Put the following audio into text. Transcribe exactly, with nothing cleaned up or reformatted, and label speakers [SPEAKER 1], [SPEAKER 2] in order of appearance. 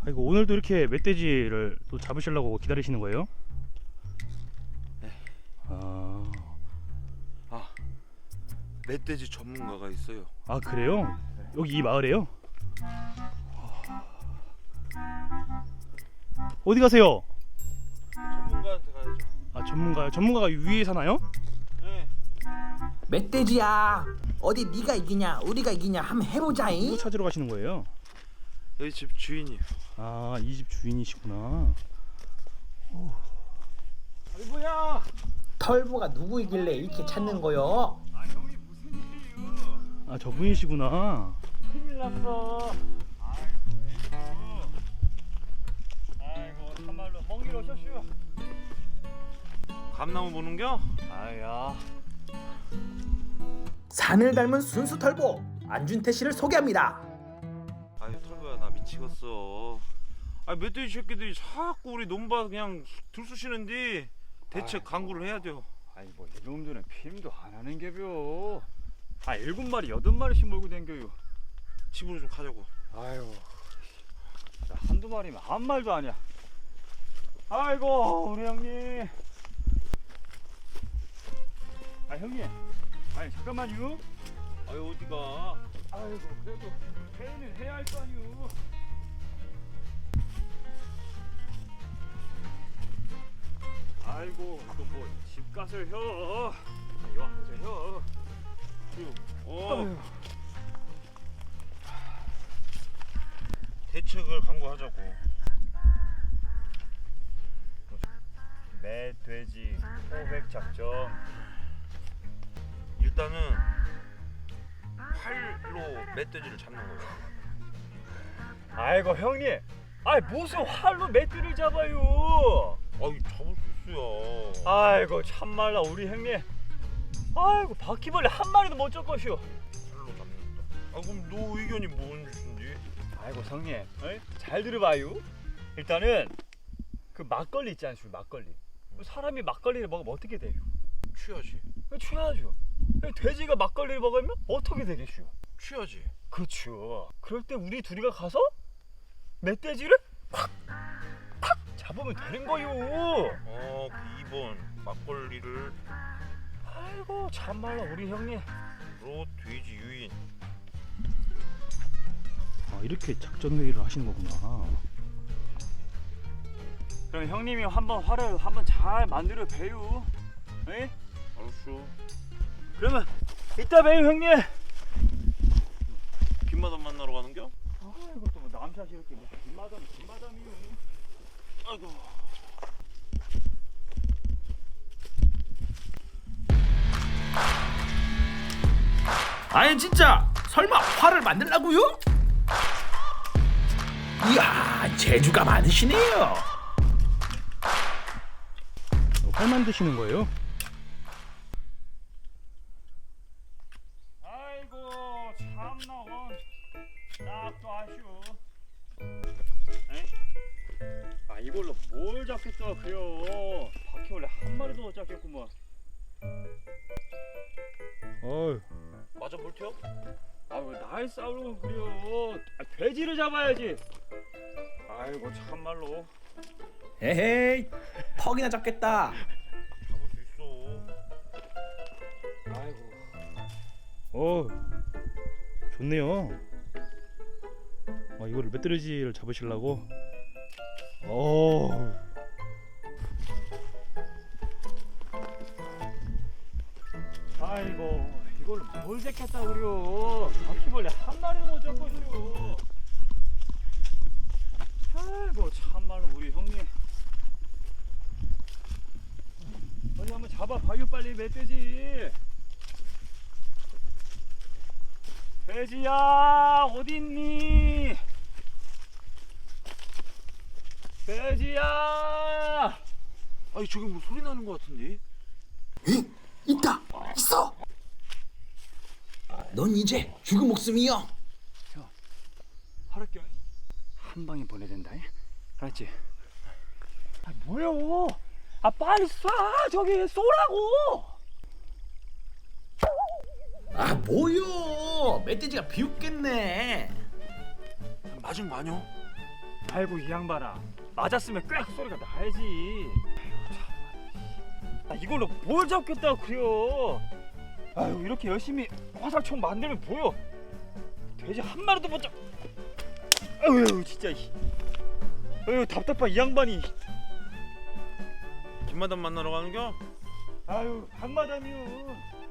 [SPEAKER 1] 아이고, 오늘도 이렇게 멧돼지를 또 잡으시려고 기다리시는 거예요?
[SPEAKER 2] 네.
[SPEAKER 1] 아,
[SPEAKER 2] 아, 멧돼지 전문가가 있어요.
[SPEAKER 1] 아 그래요? 여기 이 마을에요? 어디 가세요?
[SPEAKER 2] 전문가한테 가야죠.
[SPEAKER 1] 아, 전문가요? 전문가가 위에 사나요?
[SPEAKER 2] 네.
[SPEAKER 3] 멧돼지야, 어디 네가 이기냐 우리가 이기냐 한번 해보자잉.
[SPEAKER 1] 누구 찾으러 가시는 거예요?
[SPEAKER 2] 여기 집 주인이요.
[SPEAKER 1] 아, 이 집 주인이시구나.
[SPEAKER 2] 아이고야.
[SPEAKER 3] 털보가 누구이길래 이렇게 찾는 거요?
[SPEAKER 2] 아 형이 무슨 일이에요?
[SPEAKER 1] 아, 저분이시구나.
[SPEAKER 2] 큰일 났어. 아이고. 아이고 참말로 먼 길 오셨슈. 감나무 보는겨? 아야.
[SPEAKER 3] 산을 닮은 순수 털보 안준태 씨를 소개합니다.
[SPEAKER 2] 아유 털보야 나 미치겠어. 아 멧돼지 새끼들이 자꾸 우리 논밭 그냥 들쑤시는데 대책 강구를 해야 돼요.
[SPEAKER 4] 아니 뭐 이놈들은 피임도 안 하는 게벼. 아 일곱 마리 여덟 마리씩 몰고 댕겨요.
[SPEAKER 2] 집으로 좀 가자고.
[SPEAKER 4] 아유, 나 한두 마리면 아무 말도 아니야. 아이고 우리 형님. 아 형님, 아니 잠깐만요.
[SPEAKER 2] 아유 어디가?
[SPEAKER 4] 아이고 그래도 회의는 해야 할 거 아니오. 아이고 또 뭐 집값을 혀. 요 앞에서 혀.
[SPEAKER 2] 어. 대책을 강구하자고.
[SPEAKER 4] 매 돼지 호백 작전.
[SPEAKER 2] 일단은 활로 멧돼지를 잡는 거예요.
[SPEAKER 4] 아이고 형님, 아이 무슨 활로 멧돼지를 잡아요?
[SPEAKER 2] 아이 잡을 수 있어요.
[SPEAKER 4] 아이고 참말라 우리 형님. 아이고 바퀴벌레 한 마리도 못 잡것이오.
[SPEAKER 2] 활로 잡는다. 아 그럼 너 의견이 뭔지?
[SPEAKER 4] 아이고 성님, 어이? 잘 들어봐요. 일단은 그 막걸리 있지 않습니까? 막걸리. 사람이 막걸리를 먹으면 어떻게 돼요?
[SPEAKER 2] 취하지.
[SPEAKER 4] 취하죠. 돼지가 막걸리를 먹으면 어떻게 되겠슈?
[SPEAKER 2] 취하지.
[SPEAKER 4] 그렇죠. 그럴 때 우리 둘이가 가서 멧돼지를 팍! 팍! 잡으면 되는 거요.
[SPEAKER 2] 어, 그 이 번 막걸리를
[SPEAKER 4] 아이고 참말로 우리 형님.
[SPEAKER 2] 로 돼지 유인.
[SPEAKER 1] 아, 이렇게 작전 회의를 하시는 거구나.
[SPEAKER 4] 그럼 형님이 한번 화를 한번 잘 만들어 배요. 에?
[SPEAKER 2] 알았어.
[SPEAKER 4] 그러면 이따 봬요 형님.
[SPEAKER 2] 빈마담 만나러 가는겨?
[SPEAKER 4] 아이고 또 뭐 남샷이 이렇게 뭐 뒷마담 뒷마담이요.
[SPEAKER 2] 아이고.
[SPEAKER 3] 아니 진짜 설마 활을 만들라고요? 이야, 재주가 많으시네요.
[SPEAKER 1] 활 만드시는 거예요?
[SPEAKER 4] 아이고 참나 원 딱또 아쉬워. 에이? 아 이걸로 뭘 잡겠다 그요. 바퀴벌레 한 마리도 못 잡겠구먼.
[SPEAKER 1] 어휴,
[SPEAKER 2] 맞아 볼테요?
[SPEAKER 4] 아이고 날 싸우려고 그래요. 아, 돼지를 잡아야지. 아이고 참말로.
[SPEAKER 3] 에헤이, 턱이나 잡겠다.
[SPEAKER 2] 잡을 수 있어.
[SPEAKER 4] 아이고
[SPEAKER 1] 어, 좋네요. 아, 이거를 멧돼지를 잡으시려고. 어,
[SPEAKER 4] 아이고 이걸로 뭘 잡겠다 그래요. 바퀴벌레 한 마리도 못 잡고요. 아이고 참말로 우리 형님. 어디 한번 잡아봐요 빨리 멧돼지. 돼지야 어딨니? 돼지야.
[SPEAKER 2] 아니 저기 뭐 소리 나는 것 같은데?
[SPEAKER 3] 있다, 있어. 넌 이제 죽은 목숨이여.
[SPEAKER 4] 하랄게 한 방에 보내야 된다. 알았지? 아 뭐요? 아 빨리 쏴 저기 쏘라고.
[SPEAKER 3] 아 뭐요? 멧돼지가 비웃겠네.
[SPEAKER 2] 맞은 거 아니야?
[SPEAKER 4] 아이고 이 양반아, 맞았으면 꽥 소리가 나야지. 아이고 참. 아, 이걸로 뭘 잡겠다고 그래요. 아유 이렇게 열심히 화살총 만들면 보여. 돼지 한 마리도 못 잡. 아유 진짜. 아유 답답한 이 양반이.
[SPEAKER 2] 김마담 만나러 가는겨?
[SPEAKER 4] 아유 강마담이요.